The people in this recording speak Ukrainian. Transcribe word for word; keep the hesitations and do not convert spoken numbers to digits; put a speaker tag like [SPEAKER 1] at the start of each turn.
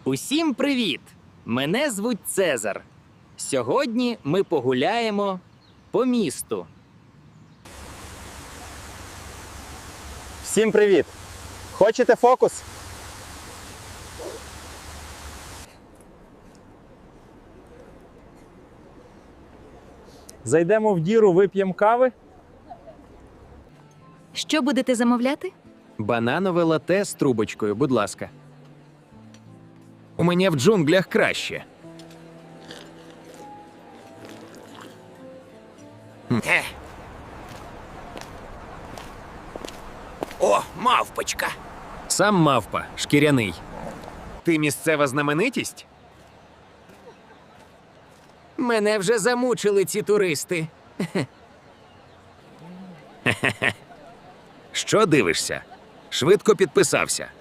[SPEAKER 1] Усім привіт! Мене звуть Цезар. Сьогодні ми погуляємо по місту.
[SPEAKER 2] Всім привіт! Хочете фокус? Зайдемо в діру, вип'ємо кави.
[SPEAKER 3] Що будете замовляти?
[SPEAKER 4] Бананове лате з трубочкою, будь ласка. У мене в джунглях краще.
[SPEAKER 1] Е. О, мавпочка!
[SPEAKER 4] Сам мавпа, шкіряний. Ти місцева знаменитість?
[SPEAKER 1] Мене вже замучили ці туристи.
[SPEAKER 4] Що дивишся? Швидко підписався.